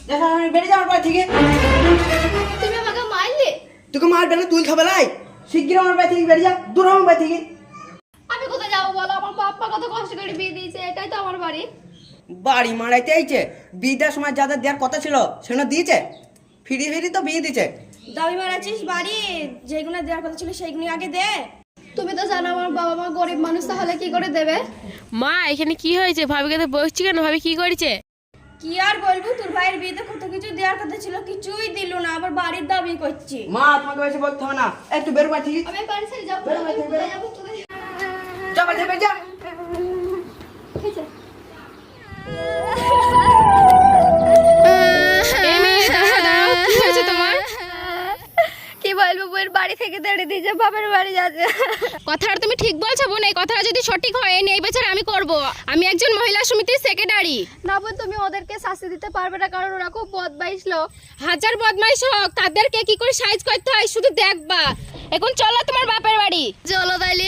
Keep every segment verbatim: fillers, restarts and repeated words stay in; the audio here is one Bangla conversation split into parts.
দেখা আমি বেরিয়ে যাওয়ার পর থেকে তুমি আমাকে মারলে। তোকে মারবে না, তুই খাবে লাই। শিগগির আমার বাড়ি থেকে বেরিয়ে যা, দূর আমার বাড়ি থেকে। আমি কোথায় যাবো বলো? আমার বাপ্পা কত কষ্ট করে বিয়ে দিয়েছে, এটাই তো আমার বাড়ি। বাড়ি মারাইতে আইছে, বিয়েটার সময় যাদের দেওয়ার কথা ছিল সেগুলো দিয়েছে, ফিরি ফিরি তো বিয়ে দিচ্ছে। দাবি মারাচ্ছিস বাড়ি, যেগুলো দেওয়ার কথা ছিল সেইগুলো আগে দে। তুমি তো জানো আমার বাবা মা গরিব মানুষ, তাহলে কি করে দেবে? মা এখানে কি হয়েছে? ভাবিকে তো বসছি কেন? ভাবি কি করেছে? কি আর বলবো, তোর ভাইয়ের বিয়েতে কত কিছু দেওয়ার কথা ছিল, কিছুই দিল না, আবার বাড়ির দাবি করছি। মা তোমাকে বেশি বলতে হবে না, একটু বেরো বাড়ি থেকে। আমি বাড়ি ছেড়ে যাবো, বেরো বাড়ি থেকে, বেরো। কোথায় যাবো, কোথায় যাবো? যা বাড়ি থেকে বেরিয়ে যা। ঠিক আছে। এই মেয়ে, দাঁড়াও, দাঁড়াও, কি হয়েছে তোমার? কি বলবো, বউয়ের বাড়ি থেকে তেড়ে দিয়েছে, বাপের বাড়ি যাচ্ছে। কথাটা তুমি ঠিক বলছো বোন, এই কথাটা যদি সঠিক হয় এই বিচার আমি করব। আমি একজন মহিলা সমিতির সেক্রেটারি। না বোন, তুমি ওদেরকে শাস্তি দিতে পারবে না, কারণ ওরা খুব বদমাইশ লোক। হাজার বদমাইশ হোক, তাদেরকে কি করে সাইজ করতে হয় শুধু দেখবা। এখন চলো তোমার বাপের বাড়ি। চলো তাইলে।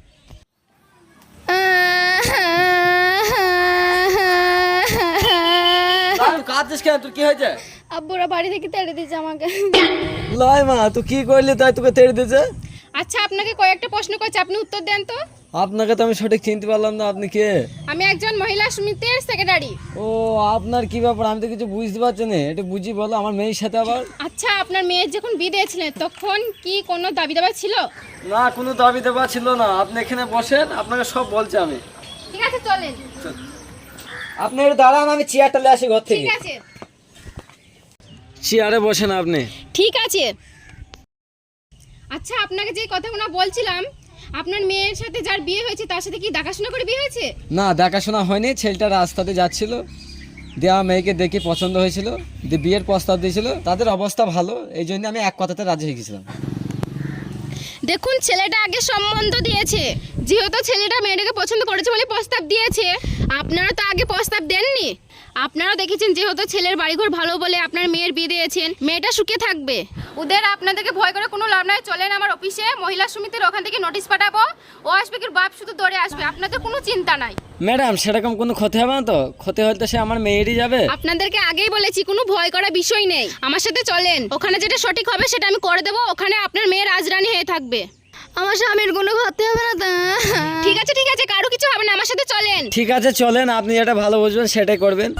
তুই কাঁদছিস কেন? তোর কি হয়েছে? আব্বুরা বাড়ি থেকে তেড়ে দিয়েছে আমাকে। লয় মা, তুই কি করলি তাই তোকে তেড়ে দিয়েছে? আচ্ছা, আপনাকে কয়েকটা প্রশ্ন করছি, আপনি উত্তর দেন তো। আপনাকে তো আমি সঠিক চিনতে পারলাম না, আপনি কে? আমি একজন মহিলা সমিতির সেক্রেটারি। ও, আপনার কি ব্যাপার? আমি তো কিছু বুঝতে পারছি না, এটা বুঝি বলো আমার মেয়ের সাথে আবার। আচ্ছা, আপনার মেয়ের যখন বিয়ে দিয়েছিলেন তখন কি কোনো দাবি দাবা ছিল? না, কোনো দাবি দেওয়া ছিল না। আপনি এখানে বসেন, আপনাকে সব বলছি আমি। ঠিক আছে, চলেন। আপনি একটু দাঁড়ান, আমি চেয়ারটা নিয়ে আসি ঘর থেকে। ঠিক আছে, চেয়ারে বসেন আপনি। ঠিক আছে। আচ্ছা, আপনাকে যে কথাগুলো বলছিলাম, আপনার মেয়ের সাথে যার বিয়ে হয়েছে তার সাথে কি দেখাশোনা করে বিয়ে হয়েছে? না, দেখাশোনা হয়নি। ছেলেটা রাস্তাতে যাচ্ছিল, দেওয়া মেয়েকে দেখে পছন্দ হয়েছিল, দিয়ে বিয়ের প্রস্তাব দিয়েছিল। তাদের অবস্থা ভালো, এই জন্য আমি এক কথাতে রাজি হয়ে গেছিলাম। দেখুন, ছেলেটা আগে সম্বন্ধ দিয়েছে, যেহেতু ছেলেটা মেয়েটাকে পছন্দ করেছে বলে প্রস্তাব দিয়েছে। আপনারা তো আগে প্রস্তাব দেননি। আপনারা দেখেছেন যেহেতু ছেলের বাড়িঘর ভালো বলে আপনার মেয়ের বিয়ে দিয়েছেন, মেয়েটা সুখে থাকবে। ওদের আপনাদেরকে ভয় করে কোনো লাভ নাই। চলেন আমার অফিসে, মহিলা সমিতির ওখান থেকে নোটিশ পাঠাবো। ও আসবে কি বাপ শুধু দৌড়ে আসবে, আপনাদের কোনো চিন্তা নাই। ম্যাডাম, সেরকম কোনো ক্ষতি হবে না তো? ক্ষতি হলে তো সে আমার মেয়েরই যাবে। আপনাদেরকে আগেই বলেছি, কোনো ভয় করার বিষয় নেই। আমার সাথে চলেন, ওখানে যেটা সঠিক হবে সেটা আমি করে দেবো। ওখানে আপনার মেয়ে রাজরানী হয়ে থাকবে। আমার স্বামীর কোনো ক্ষতি হবে না তো? ঠিক আছে, ঠিক আছে, কারো কিছু হবে না, আমার সাথে চলেন। ঠিক আছে, চলেন। আপনি যেটা ভালো বুঝবেন সেটাই করবেন।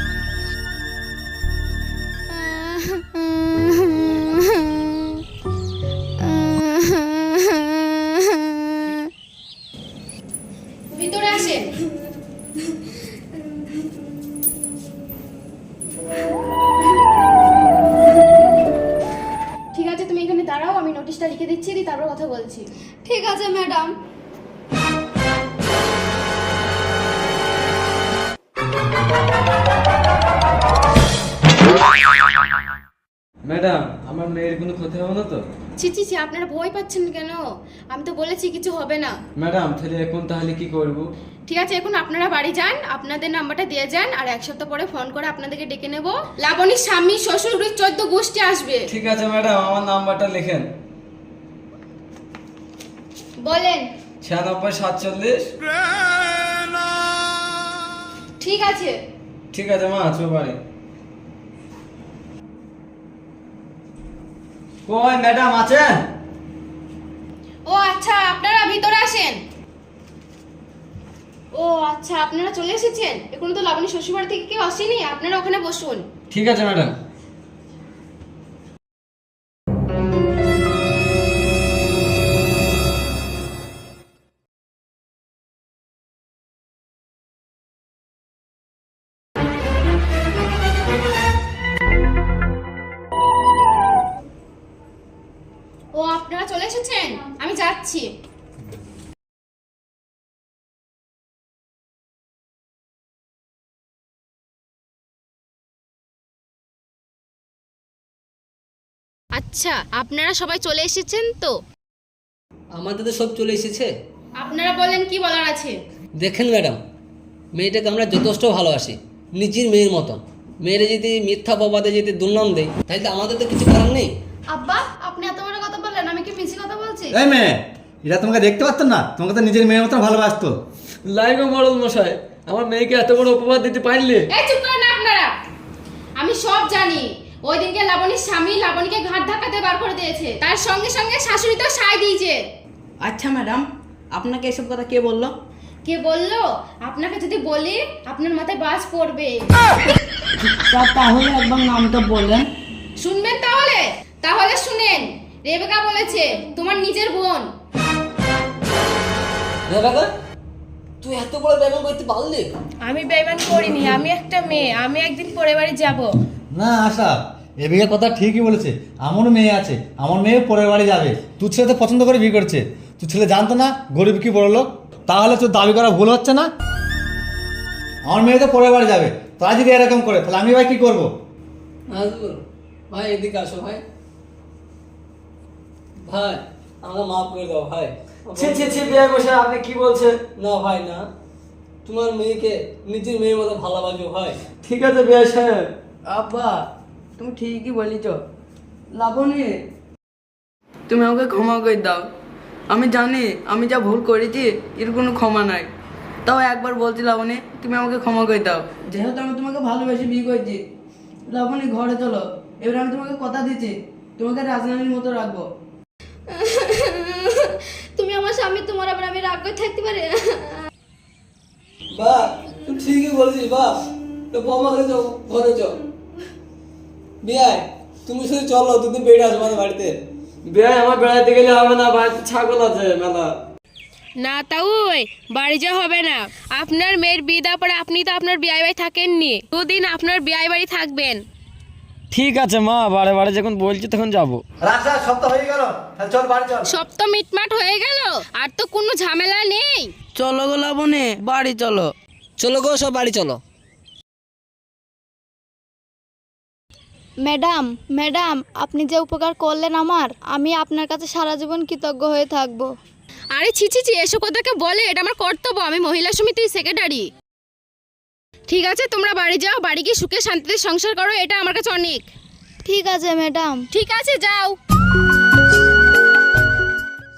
ভিতরে আসেন। ঠিক আছে, তুমি এখানে দাঁড়াও, আমি নোটিশটা লিখে দিচ্ছি, দি তারপর কথা বলছি। ঠিক আছে ম্যাডাম। ম্যাডাম, আমার মেয়ের কোনো ক্ষতি হবে না তো? ছি ছি ছি, আপনারা ভয় পাচ্ছেন কেন? আমি তো বলেছি কিছু হবে না। ম্যাডাম, তাহলে এখন তাহলে কি করব? ঠিক আছে, এখন আপনারা বাড়ি যান, আপনাদের নাম্বারটা দিয়ে যান, আর এক সপ্তাহ পরে ফোন করে আপনাদেরকে ডেকে নেব। লাবণীর স্বামী শ্বশুর চোদ্দ গোষ্ঠী আসবে। ঠিক আছে ম্যাডাম, আমার নাম্বারটা লেখেন। বলেন। ছিয়ানব্বই সাতচল্লিশ। ঠিক আছে। ঠিক আছে মা, চো বাড়ি। কই ম্যাডাম আছেন? ও আচ্ছা, আপনারা ভিতরে আসেন। ও আচ্ছা, আপনারা চলে এসেছেন। এখনো তো লাবণী শ্বশুরবাড়ি থেকে কেউ আসেনি, আপনারা ওখানে বসুন। ঠিক আছে ম্যাডাম। ও আপনারা চলে এসেছেন, আমি যাচ্ছি। আচ্ছা, আপনারা সবাই চলে এসেছেন তো? আমাদের তো সব চলে এসেছে। আপনারা বলেন কি বলার আছে। দেখেন ম্যাডাম, মেয়েটাকে আমরা যথেষ্ট ভালোবাসি, নিজের মেয়ের মতন। মেয়েরা যদি মিথ্যা অপবাদে যদি দুর্নাম দেয়, তাহলে আমাদের তো কিছু করার নেই। আব্বা, আপনি এত বড় কথা বললেন, আমি কি মিছি কথা বলছি? এই মেয়ে, এটা তোমাকে দেখতে পারতো না? তোমাকে তো নিজের মেয়ের মতন ভালোবাসতো। লাইগো মরল মশাই, আমার মেয়েকে এত বড় উপহার দিতে পারলে? এই চুপ করেন না আপনারা। আমি সব জানি। ওই দিনকে লাবণীর স্বামী লাবণীকে ঘাট ধাক্কাতে বার করে দিয়েছে, তার সঙ্গে সঙ্গে শাশুড়ি তো সায় দিয়েছে। আচ্ছা ম্যাডাম, আপনাকে এসব কথা কে বললো? কে বললো? আপনাকে যদি বলি আপনার মাথায় বাজ পড়বে। তা তাহলে একবার নামটা বললেন। শুনবেন তাহলে? তাহলে শুনেন। রেবেকা বলেছে তোমার নিজের বোন। রেবেকা, তুই এত বড় বেমান করতে পারলি? আমি বেইমান করিনি, আমি একটা মেয়ে, আমি একদিন পরের বাড়ি যাব। না আশা, এদিকে কথা ঠিকই বলেছে। আমারও মেয়ে আছে, আমার মেয়ে পরের বাড়ি যাবে। তোর ছেলে তো পছন্দ করে বিয়ে করছে। তোর ছেলে জানতো না গরিব কি বড় লোক? তাহলে তোর দাবি করা ভুল হচ্ছে না? আমার মেয়ে তো পরের বাড়ি যাবে, তারা যদি এরকম করে তাহলে আমি ভাই কি করবো? নাজবুল ভাই, এদিকে আসো ভাই। ভাই আমাকে মাফ করে দাও ভাই। ছি ছি ছি বিয়ে বসে আপনি কি বলছেন? না ভাই না, তোমার মেয়েকে নিজের মেয়ের মতো ভালোবাসো ভাই। ঠিক আছে বিয়ে সাহেব। আব্বা, তুমি ঠিকই বলিছ। লাবণী, তুমি আমাকে ক্ষমা করে দাও। আমি জানি আমি যা ভুল করেছি এর কোনো ক্ষমা নাই। তাও একবার বলছি লাবণী, তুমি আমাকে ক্ষমা করে দাও। যেহেতু আমি তোমাকে ভালোবেসে বিয়ে করেছি, লাবণী ঘরে চলো। এবার আমি তোমাকে কথা দিচ্ছি, তোমাকে রাজধানীর মতো রাখবো। তুমি আমার স্বামী, তোমার আবার আমি রাগ করে থাকতে পারি? বা তুই ঠিকই বলছিস বা, তো বৌমা ঘরে যাও, ঘরে যাও। বিয়াই তুমি শুধু চলো, দুদিন বেড়ে আসবো আমাদের বাড়িতে। বিয়ে আমার বেড়াইতে গেলে হবে না, বাড়িতে ছাগল আছে মেলা। না তাও বাড়ি যা হবে না। আপনার মেয়ের বিয়ে দেওয়ার পরে আপনি তো আপনার বিয়ে বাড়ি থাকেননি, দুদিন আপনার বিয়ে বাড়ি থাকবেন। ঠিক আছে মা, বারে বারে যখন বলছি তখন যাবো। রাস্তা সপ্তাহ হয়ে গেল, চল বাড়ি চল। সব তো মিটমাট হয়ে গেল, আর তো কোনো ঝামেলা নেই। চলো গো লাবণী, বাড়ি চলো। চলো গো, সব বাড়ি চলো। ম্যাডাম, ম্যাডাম, আপনি যে উপকার করলেন আমার, আমি আপনার কাছে সারা জীবন কৃতজ্ঞ হয়ে থাকবো। আরে ছি ছি ছি, এসব কথাকে বলে, এটা আমার কর্তব্য, আমি মহিলা সমিতির সেক্রেটারি। ঠিক আছে তোমরা বাড়ি যাও, বাড়ি গিয়ে সুখে শান্তিতে সংসার করো, এটা আমার কাছে অনেক। ঠিক আছে ম্যাডাম। ঠিক আছে যাও।